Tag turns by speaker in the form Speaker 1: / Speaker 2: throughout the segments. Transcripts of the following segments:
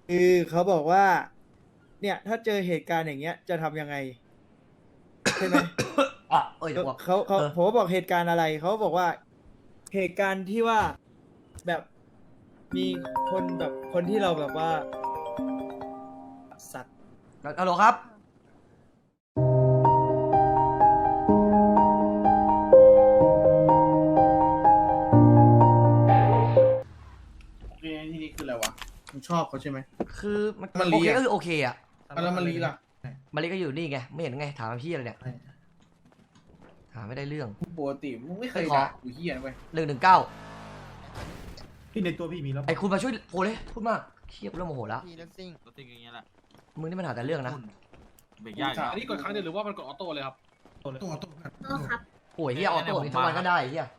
Speaker 1: คือเขาบอกว่า เนี่ย ถ้าเจอเหตุการณ์อย่างเงี้ยจะทำยังไงใช่ไหม
Speaker 2: อ่ะเอ้ยเดี๋ยวบอก
Speaker 1: เขา
Speaker 2: เออ
Speaker 1: ผมก็บอกเหตุการณ์อะไรเขาบอกว่าเหตุการณ์ที่ว่าแบบมีคนแบบคนที่เราแบบว่าสัตว์
Speaker 2: ฮัลโหลครับ
Speaker 3: โอเคทีนี้คืออะไรวะมึงชอบเขาใช่ไหม
Speaker 2: คือมัน
Speaker 3: มัน
Speaker 2: โอ
Speaker 3: ลี
Speaker 2: เค
Speaker 3: อะ
Speaker 2: ก็คือโอเคอะ
Speaker 3: แล้วมันลีล่ะ
Speaker 2: มาริก็อยู่นี่ไง ไม่เห็นไง ถามพี่อะไรเนี่ย ถามไม่ได้เรื่อง
Speaker 3: ปกติมึงไม่เคย
Speaker 2: ขอ
Speaker 3: ด่ากูเฮียนะเว้ย
Speaker 2: 119
Speaker 4: พี่ในตัวพี่มีแล้ว
Speaker 2: ไอ้คุณมาช่วยโพลเลยพูดมากเครียดเริ่มโมโหแล้ว
Speaker 5: รถติดอย่างเงี้ยแหละ
Speaker 2: มึงนี่มันหาแต่เรื่องนะ
Speaker 5: เบรกยาก
Speaker 6: อันนี้กดครั้งเดียวหรือว่ามันกดออโต้เลยครับ
Speaker 7: ก็ครับ
Speaker 2: โอ้ยเฮียออโต้นี่ทั้งวันก็ได้เฮีย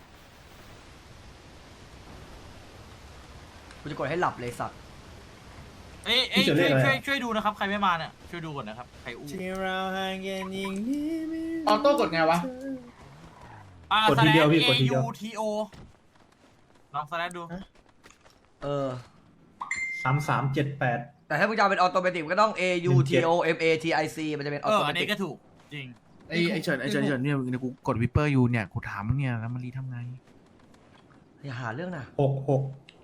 Speaker 2: กูจะกดให้หลับเลยสัตว์
Speaker 5: เอ้ยช่วยดูนะครับใครไม่มาเนี่ยช่วยดูก่อนนะครับใครอู้
Speaker 1: ที่เราห่างกันอย่างนี้ไม่
Speaker 3: ออโต้กดไงวะ
Speaker 4: กดทีเดียวพี่กดทีเดียว
Speaker 5: AUTO ลองสแลดดู
Speaker 2: เออ
Speaker 4: 3378
Speaker 2: แต่ถ้ามึงจะเอาเป็นออโตเมติกก็ต้อง A U T O M A T I C มันจะเป็นออโตเม
Speaker 5: อัน
Speaker 2: ติ
Speaker 5: นี้
Speaker 2: ก
Speaker 5: ก็ถูกจริง
Speaker 3: ไอ้เฉินเนี่ยกูกดวิปเปอร์อยู่เนี่ยกูถามมึงเนี่ยแล้วมันรีทำไง
Speaker 2: อย่าหาเรื่องนะ
Speaker 4: 66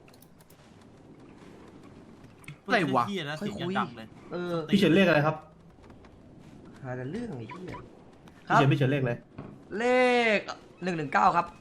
Speaker 3: อะไรวะ
Speaker 5: เหี้ยนะ
Speaker 2: ค่อย
Speaker 5: เสียง
Speaker 2: คุย
Speaker 5: ดังเลย
Speaker 2: เออ
Speaker 4: พี่เฉินเลขอะไรครับ
Speaker 2: หาแต่เรื่องไอ้เหี้ยค
Speaker 4: พี่
Speaker 2: รับ
Speaker 4: เฉินเลขอะไร
Speaker 2: เลข119ครับ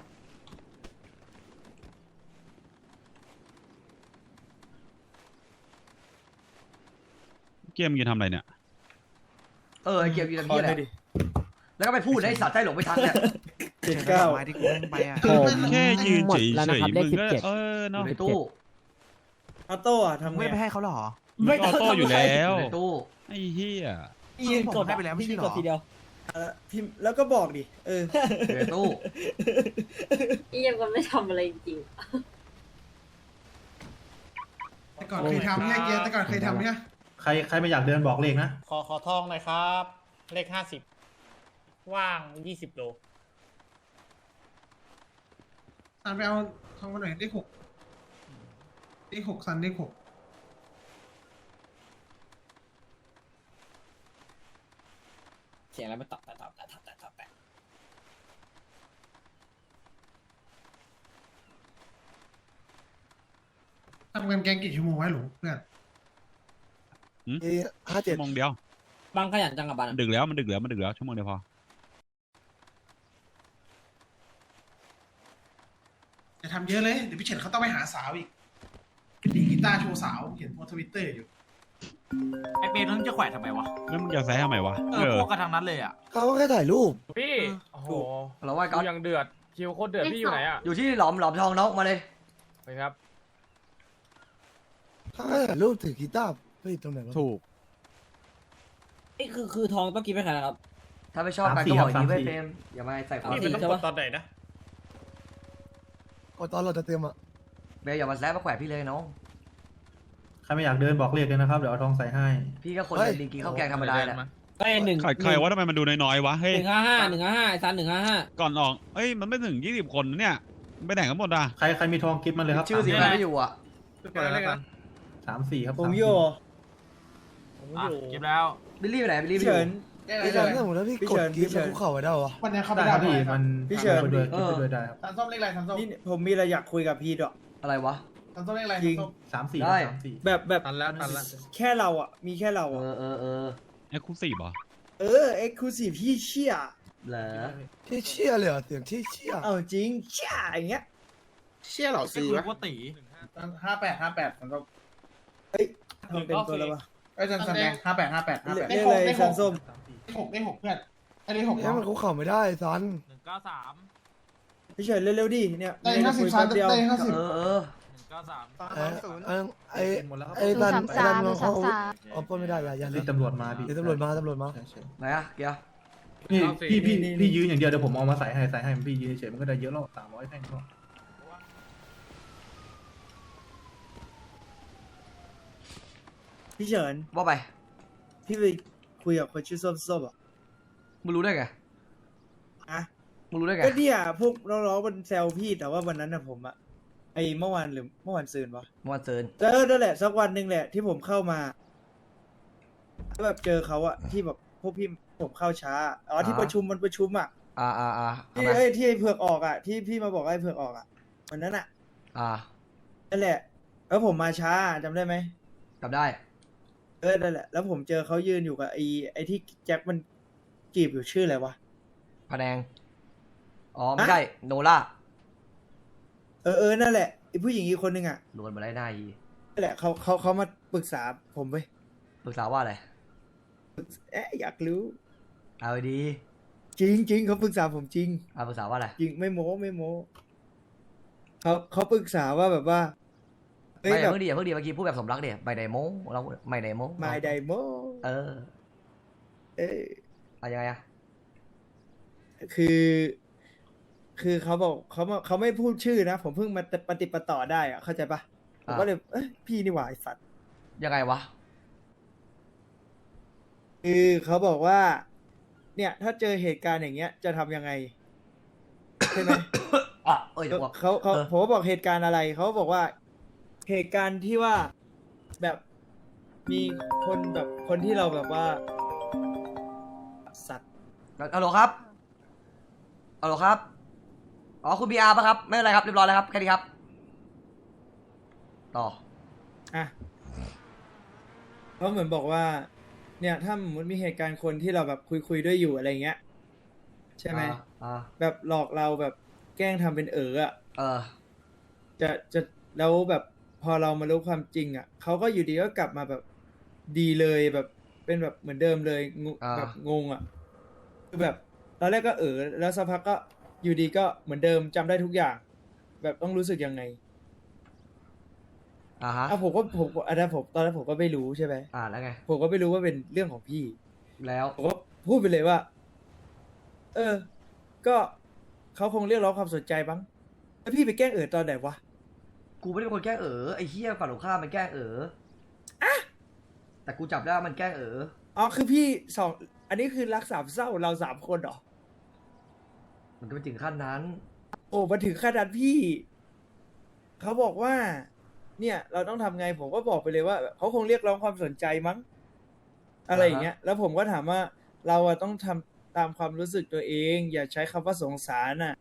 Speaker 6: เกมมึงจะทำอะไรเนี่ย
Speaker 2: เออไอเกียร์ยู
Speaker 1: ข
Speaker 2: น
Speaker 1: อ
Speaker 2: พี่
Speaker 1: ห
Speaker 2: แห
Speaker 1: น่อ
Speaker 2: ละ
Speaker 1: ยดิ
Speaker 2: แล้วก็ไปพูดให้สัตว์ใจหลงไปทันเนี่ย
Speaker 1: 79
Speaker 3: ไม้ที่กูแม่งไปอ่ะ
Speaker 6: แค่ยืน
Speaker 8: หม
Speaker 6: เฉ
Speaker 8: ด
Speaker 6: ย
Speaker 8: แล้ว
Speaker 6: เฉ
Speaker 8: นะ
Speaker 6: ย
Speaker 8: ครับเล
Speaker 6: มึ
Speaker 8: ข
Speaker 6: งก็
Speaker 8: 17
Speaker 6: เออเนาะ
Speaker 2: ในตู้
Speaker 1: ออโต้อะทำไง
Speaker 3: ไม่ไปให้เขาหรอ
Speaker 6: ไม่ออโต้อยู่แล้ว
Speaker 2: ในตู้
Speaker 6: ไอ้เหี้ย
Speaker 1: พี่ยืนกด
Speaker 3: ให้ไปแล้วไม่ใช่หรอ
Speaker 1: ทีเดียวพิมพ์แล้วก็บอกดิเออ
Speaker 2: อยู่ในตู้
Speaker 7: พี่ยังก็ไม่ทำอะไรจริง
Speaker 9: แต่ก่อนเคยทำเนี่ยเกียร์แต่ก่อนเคยทำเนี่ย
Speaker 4: ใครไม่อยากเดินบอกเลขนะ
Speaker 8: ขอทองหน่อยครับ เลข50 ว่าง 20 โล
Speaker 9: ซันไปเอาทองมาหน่อยเลข 6เลข 6ซันเลข 6
Speaker 8: เสียงอะไรไม่ตอบ
Speaker 9: ทำกันแกงกี่ชั่วโมงไว้หรูเพื่อน
Speaker 6: ชั่วโมงเดียว
Speaker 8: บางขยันจังกับบัน
Speaker 6: มันดึกแล้วมันดึกแล้วชั่วโมงเดียวพอ
Speaker 9: อย่าทำเยอะเลยเดี๋ยวพี่เฉินเขาต้องไปหาสาวอีกดีดกีตาร์โชว์สาวเห็นโพสทวิตเตอร์อยู่
Speaker 5: ไอเปรย์ต้องจะแขวนทำไมวะ
Speaker 6: แล้วมึงจะแซะทำไมวะ
Speaker 5: พวกกันทางนั้นเลยอ่ะ
Speaker 1: เขาก็แค่ถ่ายรูป
Speaker 8: พี่ โอ้โห
Speaker 2: เราว่าก็
Speaker 8: ยังเดือด คิวโคตรเดือด พี่อยู่ไหนอ่ะ
Speaker 2: อยู่ที่หลอมทองน้องมาเลย
Speaker 8: ไปครับ
Speaker 1: เขาก็ถ่ายรูปถือกีตาร์ไปตรงไหนวะ
Speaker 3: ถูก
Speaker 8: นี่คือทองต้องกินไปขนาดครับ
Speaker 2: ถ้าไม่ชอบกันก็บอกอย่างนี้ไว้เฟรมอย่ามาใส่ความ
Speaker 8: นี่มันต้องกดตอนไหนนะ
Speaker 1: ก็ตอนเราจะเตรียมอ่ะ
Speaker 2: เบลอย่ามาแซะมาแขวะพี่เลยน้อง
Speaker 4: ใครไม่อยากเดินบอกเลขเลยนะครับ เดี๋ยวเอาทองใส่ให้
Speaker 2: พี่ก็คนเดินดินกินข้าวแกงธรรมดาแหละ
Speaker 8: ก็หนึ่ง
Speaker 6: ใครว่าทำไมมันดูน้อยๆวะเฮ้ย
Speaker 8: 155ไอ้ซัน155
Speaker 6: ก่อนออกเอ้ยมันไม่ถึง20 คนนะเนี่ยไปไหนกันหมดอ่ะ
Speaker 4: ใครมีทองกิฟต์มาเลยครับ
Speaker 2: ชื่อสีมันไม่อยู่อ่ะ
Speaker 4: 34ครับ
Speaker 1: ผมโย
Speaker 5: เก็บแล้ว
Speaker 2: บิลลี่ไปไหนบิลลี่ไปอ
Speaker 1: เฉิ
Speaker 2: ยู่
Speaker 1: นพี่เฉินสมมติถ้าพี่กดกีบแล้วคุกเข่าไว้ได้วะ
Speaker 9: วันนี้เขาไป
Speaker 4: ได้
Speaker 9: ได้
Speaker 4: ครับพี่มัน
Speaker 1: พี่เฉิน
Speaker 4: ไปด้วยกิฟต์ไปด้วยได้ครับ
Speaker 9: ซันส้มเลขอะไรซันส้ม
Speaker 1: นี่ผมมีอะไรอยากคุยกับพี่ด้วย
Speaker 2: อะไรวะ
Speaker 9: ซันส้มเลขอะไร
Speaker 1: จริง
Speaker 4: 34
Speaker 2: ได้
Speaker 4: 34
Speaker 1: แบบ
Speaker 3: ตันแล้ว
Speaker 1: แค่เราอ่ะ มีแค่เรา
Speaker 2: เอ
Speaker 1: อ่ะ
Speaker 2: อ
Speaker 6: ไอ้คุซี่บอ
Speaker 1: เอ็กซ์คลูซีฟพี่เชี่ย
Speaker 2: เหรอ
Speaker 1: ที่เชี่ยเลยเหรอเสียงที่เชี่ยเอาจริงเชี่ยอย่างเงี้ย
Speaker 3: เชี่ยเหล่า
Speaker 5: ไม่
Speaker 3: ซี
Speaker 5: คุยว
Speaker 3: ะ
Speaker 5: ว่าตี
Speaker 9: 58ซันส้ม
Speaker 1: ทำเป็นตัวแล้ววะ
Speaker 9: ไอ้ซันแดง58
Speaker 1: เรียกอะไรสันส้ม
Speaker 9: เลข 6เพื่อนไอ้เลข 6
Speaker 1: เนี่ยมันคุกเข่าไม่ได้ซัน
Speaker 5: 193
Speaker 1: พี่เฉินเร็วๆดิเนี่ย
Speaker 9: ได้
Speaker 1: ไม่คุย
Speaker 9: 50ซั
Speaker 1: แป๊
Speaker 9: น
Speaker 1: บเดียว
Speaker 9: ได้
Speaker 2: เออ
Speaker 5: 193
Speaker 1: ไอ้ดันเขาเอาปล้นไม่ได้อย่า
Speaker 4: รีบตำรวจมาพี่
Speaker 1: เดี๋ยวตำรวจมา
Speaker 4: ใช่
Speaker 2: ไหนอะเกียร์
Speaker 4: ๆนี่พี่ยืนอย่างเดียวเดี๋ยวผมเอามาใส่ให้พี่ยืนเฉยๆมันก็ได้เยอะแล้ว300แท่งก็
Speaker 1: พี่เฉิน
Speaker 2: ว่าไป
Speaker 1: พี่ไปคุยกับคนชื่อส้มๆอ่ะ
Speaker 2: มึงรู้ได้ไง
Speaker 1: อะ
Speaker 2: มึงรู้ได้ไง
Speaker 1: ก็เนี่ยพวกน้องๆมันแซวพี่แต่ว่าวันนั้นนะผมอะไอ้เมื่อวานหรือเมื่อวานซืนวะ
Speaker 2: เมื่อวันซืน
Speaker 1: นั่นแหละสักวันหนึ่งแหละที่ผมเข้ามาแล้วแบบเจอเขาอะที่แบบพวกพี่ผมเข้าช้าอ๋อที่ประชุมมันประชุมอะ
Speaker 2: เอา
Speaker 1: ที่
Speaker 2: มา
Speaker 1: ที่ไอ้เผือกออกอะที่พี่มาบอกว่าไอ้เผือกออกอะวันนั้นอะ
Speaker 2: อ่า
Speaker 1: นั่นแหละ แล้วผมมาช้าจำได้ไหม
Speaker 2: จำได้
Speaker 1: นั่นแหละแล้วผมเจอเขายืนอยู่กับไอ้ที่แจ็คมันจีบอยู่ชื่ออะไรวะ
Speaker 2: พะแนง อ๋อ ไม่ใช่ โนล่า
Speaker 1: นั่นแหละไอ้ผู้หญิงอีกคนนึงอะ
Speaker 2: รวนมาได้หน้าอี
Speaker 1: นั่นแหละเขามาปรึกษาผมเว้ย
Speaker 2: ปรึกษาว่าอะไร
Speaker 1: อยากรู้
Speaker 2: เอาดี
Speaker 1: จริงเขาปรึกษาผมจริง
Speaker 2: เอาปรึกษาว่าอะไร
Speaker 1: จริงไม่โม้เขาปรึกษาว่าแบบว่าเฮ้ย
Speaker 2: ไม่
Speaker 1: แบบ
Speaker 2: เพิ่งดีเมื่อกี้พูดแบบสมรักเดี๋ยไม่ได้โม้เราไม่ได้โม้
Speaker 1: ไม่ไดโม
Speaker 2: เออ
Speaker 1: เอ้ย
Speaker 2: เอายังไงอะ
Speaker 1: คือเขาบอกเขาไม่พูดชื่อนะ ผมเพิ่งมาปฏิดประต่อได้อะเข้าใจปะผมก็เลยพี่นี่หว่าไอ้สัตว์
Speaker 2: ยังไงวะ
Speaker 1: คือเขาบอกว่า เนี่ย ถ้าเจอเหตุการณ์อย่างเงี้ย จะทำยังไงใช่ไหม
Speaker 2: อ่ะเอ้ยเดี๋ยวบอก
Speaker 1: เขา
Speaker 2: เออ
Speaker 1: ผมก็บอกเหตุการณ์อะไรเขาบอกว่าเหตุการณ์ที่ว่าแบบมีคนแบบคนที่เราแบบว่า สัตว์
Speaker 2: ฮัลโหลครับฮัลโหลครับ อ๋อ คุณบีอาร์ป่ะครับ ไม่เป็นไรครับ เรียบร้อยแล้วครับ แค่นี้ครับ ต่อ
Speaker 1: อ่ะเขาเหมือนบอกว่า เนี่ย ถ้าสมมติมีเหตุการณ์คนที่เราแบบคุยด้วยอยู่อะไรเงี้ย ใช่ไหม แบบหลอกเราแบบแกล้งทำเป็นอ่ะ
Speaker 2: เออ
Speaker 1: จะแล้วแบบพอเรามารู้ความจริงอ่ะเขาก็อยู่ดีก็กลับมาแบบดีเลยแบบเป็นแบบเหมือนเดิมเลยแบบงงอ่ะคือแบบตอนแรกก็แล้วสักพักก็อยู่ดีก็เหมือนเดิมจำได้ทุกอย่าง แบบต้องรู้สึกยังไง
Speaker 2: อ่าฮะ
Speaker 1: ผมอันนั้นผมตอนนั้นผมก็ไม่รู้ใช่ไหม
Speaker 2: แล้วไง
Speaker 1: ผมก็ไม่รู้ว่าเป็นเรื่องของพี่
Speaker 2: แล้ว
Speaker 1: ผมก็พูดไปเลยว่า ก็เขาคงเรียกร้องความสนใจบ้างแล้วพี่ไปแกล้งตอนไหนวะ
Speaker 2: กูไม่ได้เป็นคนแกล้งไอ้เหี้ยฝั่งตรงข้ามมันแกล้งแต่กูจับได้ว่ามันแกล้ง
Speaker 1: อ๋อคือพี่อันนี้คือรักสามเศร้าเราสามคนเหรอ
Speaker 2: มันก็ไม่ถึงขั้นนั้น
Speaker 1: โอ้มาถึงขนาดพี่ เขาบอกว่า เนี่ย เราต้องทำไงผมก็บอกไปเลยว่าเขาคงเรียกร้องความสนใจมั้ง อะไรอย่างเงี้ย แล้วผมก็ถามว่าเราอะต้องทำตามความรู้สึกตัวเอง อย่าใช้คำว่าสงสารน่ะ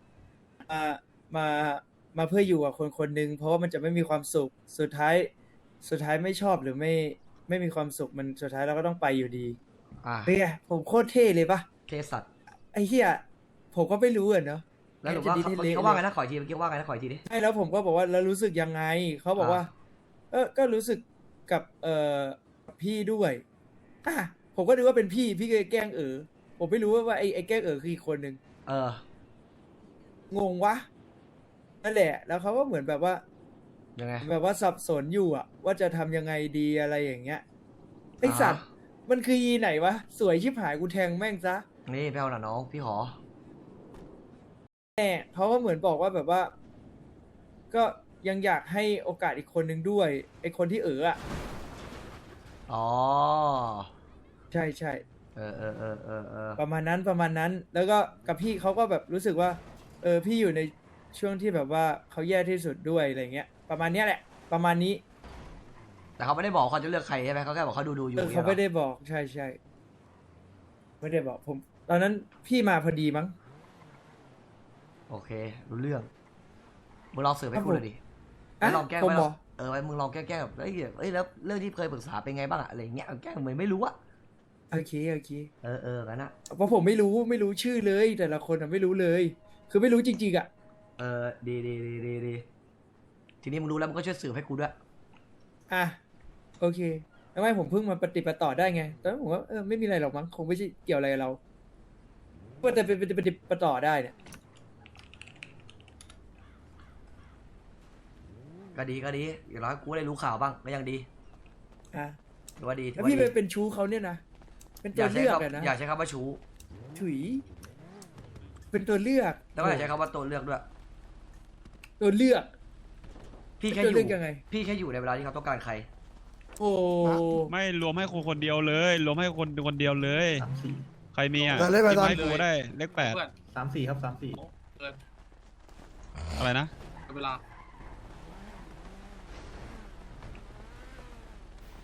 Speaker 1: มาเพื่ออยู่กับคนคนหนึ่งเพราะว่ามันจะไม่มีความสุขสุดท้ายไม่ชอบหรือไม่มีความสุขมันสุดท้ายเราก็ต้องไปอยู่ดีเป็นไงผมโคตรเท่เลยปะ
Speaker 2: เทสัตว์
Speaker 1: ไอ้เหี้ยผมก็ไม่รู้อะเนาะ
Speaker 2: แล้วหรือว่าเขาว่าไงนะขออีกทีเมื่อกี้ว่าไงนะขออีกทีดิ
Speaker 1: ใช่แล้วผมก็บอกว่าแล้วรู้สึกยังไงเขาบอกว่า ก็รู้สึกกับพี่ด้วยผมก็นึกว่าเป็นพี่ก็แกล้งผมไม่รู้ว่าไอ้แกล้งคืออีกคนนึงงงวะนั่นแหละ แล้วเขาก็เหมือนแบบว่า
Speaker 2: ยังไง
Speaker 1: แบบว่าสับสนอยู่อะว่าจะทำยังไงดีอะไรอย่างเงี้ยไอสัตว์มันคืออีไหนวะสวยชิบหายกูแทงแม่งซะ
Speaker 2: นี่พี่เอาหน่ะน้องพี่ขอ
Speaker 1: แน่เขาก็เหมือนบอกว่าแบบว่า ก็ยังอยากให้โอกาสอีกคนนึงด้วยไอคนที่อะ
Speaker 2: อ๋อ
Speaker 1: ใช่ใช่
Speaker 2: ประมาณ
Speaker 1: ประมาณนั้น แล้วก็กับพี่เขาก็แบบรู้สึกว่า พี่อยู่ในช่วงที่แบบว่าเขาแย่ที่สุดด้วยอะไรเงี้ย ประมาณเนี้ยแหละ ประมาณนี้
Speaker 2: แต่เขาไม่ได้บอกเขาจะเลือกใครใช่ไหมเขาแค่บอกเขาดูอยู่
Speaker 1: เขาไม่ได้บอกใช่ใช่ไม่ได้บอกผม ตอนนั้นพี่มาพอดีมั้ง
Speaker 2: โอเครู้เรื่องมึงลองสืบให้กูเลยดิ
Speaker 1: อ่ะ
Speaker 2: ลองแกล้ง
Speaker 1: ผม
Speaker 2: ไว้
Speaker 1: เหรอ
Speaker 2: ไว้มึงลองแกล้งแบบแล้วเรื่องที่เคยปรึกษาเป็นไงบ้างอะอะไรเงี้ยแกล้งเหมือนไม่รู้อะ
Speaker 1: โอเค
Speaker 2: กันนะ
Speaker 1: เพราะผมไม่รู้ชื่อเลย แต่ละคนไม่รู้เลย คือไม่รู้จริงๆอ่ะ
Speaker 2: ดีทีนี้มึงรู้แล้วมึงก็ช่วยสืบให้กูด้วย
Speaker 1: โอเคแล้วไม่ผมเพิ่งมาปฏิบัติต่อได้ไงตอนนั้นผมว่าไม่มีอะไรหรอกมั้งคงไม่ใช่เกี่ยวอะไรกับเราว่าแต่เป็นปฏิบัติต่อได้เนี่ย
Speaker 2: ก็ดีอย่างน้อยกูได้รู้ข่าวบ้างก็ยังดีถือว่าดี
Speaker 1: แล้วพี่ไปเป็นชู้เขาเนี่ยนะเป็นตัวเลือกนะ
Speaker 2: อยากใช้คำว่าชู้
Speaker 1: ถุยเป็นตัวเลือก
Speaker 2: แล้วก็อยากใช้คำว่าตัวเลือกด้วย
Speaker 1: ตัวเลือก
Speaker 2: พี่แค่
Speaker 1: ตัว
Speaker 2: อ
Speaker 1: เลือยู่ กยังไง
Speaker 2: พี่แค่อยู่ในเวลาที่เขาต้องการใคร
Speaker 1: โอ้
Speaker 6: ไม่รวมให้คนเดียวเลยรวมให้คนเดียวเลย
Speaker 4: 3-4
Speaker 6: ใครมีอ่ะ
Speaker 9: เลขไปตอน
Speaker 6: ให้กูได้เลข
Speaker 5: เพื่อน
Speaker 4: 3-4 ครับ 3-4
Speaker 6: อะไรนะ
Speaker 5: เวลา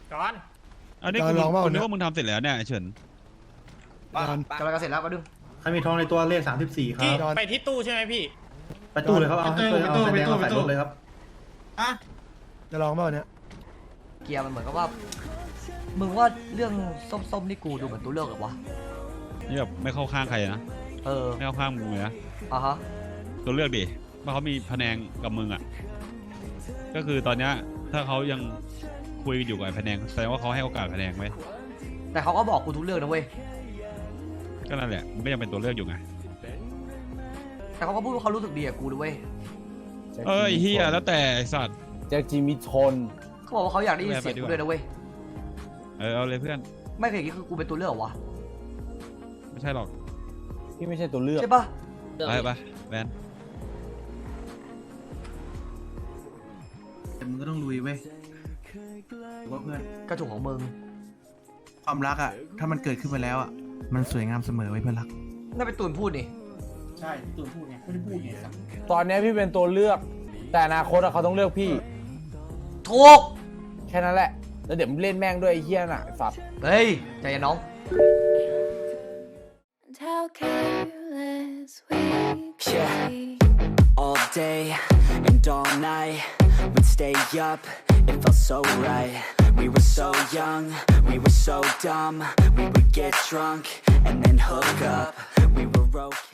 Speaker 8: ก่อน
Speaker 6: อันนี้กูนึกว่ามึงทำเสร็จแล้วเนี่ยไอ้เฉิน
Speaker 2: กำลังจะเสร็จแล้วมาดึง
Speaker 4: ใครมีทองในตัวเลข34 ครั
Speaker 8: พี่
Speaker 4: บ
Speaker 8: ไปที่ตู้ใช่ไหมพี่
Speaker 4: ไปตู้เลยครับเอาให้เอาแสดงเอาใส่รถเลยครับ
Speaker 9: อ่ะ
Speaker 10: จะลองเปล่าเนี่ย
Speaker 2: เกียร์มันเหมือนกับว่ามึงว่าเรื่องส้มๆนี่กูดูเหมือนตัวเลือกเหรอวะ
Speaker 6: นี่แบบไม่เข้าข้างใครนะ
Speaker 2: เออ
Speaker 6: ไม่เข้าข้างมึงเลยนะ
Speaker 2: อ่ะฮะ
Speaker 6: ตัวเลือกดิว่าเขามีพะแนงกับมึงอ่ะก็คือตอนเนี้ยถ้าเขายังคุยอยู่กับไอ้พะแนงแสดงว่าเขาให้โอกาสพะแนงไหม
Speaker 2: แต่เขาก็บอกกูทุกเรื่องนะเว้ย
Speaker 6: ก็นั่นแหละมันก็ยังเป็นตัวเลือกอยู่ไง
Speaker 2: แต่เขาก็พูดว่าเขารู้สึกดีกับกูด้วยเว้ย
Speaker 6: เอ้ยเฮียแล้วแต่ไอ้สัตว์
Speaker 10: แจ็คจิมิชน
Speaker 2: เขาบอกว่าเขาอยากได้ยินเสียงกูด้วยนะเว้ย
Speaker 6: เอาเลยเพื่อน
Speaker 2: ไม่เคยคิดคือกูเป็นตัวเลือกเหรอวะ
Speaker 6: ไม่ใช่หรอก
Speaker 10: พี่ไม่ใช่ตัวเลือก
Speaker 2: ใช่ปะ
Speaker 6: ไปแวน
Speaker 3: แต่มึงก็ต้องลุยเว้ยว่าเพื่อน
Speaker 2: กระจุกของมึง
Speaker 3: ความรักอ่ะ ถ้ามันเกิดขึ้นมาแล้วอ่ะ มันสวยงามเสมอไว้เพื่อนรัก
Speaker 2: น่าเป็นตูนพูดนี่
Speaker 9: ใช่พี่ตูนพูดไงไม่ได้พูดไง
Speaker 10: ตอนนี้พี่เป็นตัวเลือก แต่อนาคตอะเขาต้องเลือกพี่
Speaker 2: ถูก
Speaker 10: แค่นั้นแหละ แล้วเดี๋ยวมึงเล่นแม่งด้วยไอ้เหี้ยน่ะไอ้สัตว์
Speaker 2: เฮ้ย ใจเย็นน้อง
Speaker 11: How careless we could be.
Speaker 12: All day and all night, we'd stay up, it felt so right. We were so young, we were so dumb. We would get drunk and then hook up. We were okay.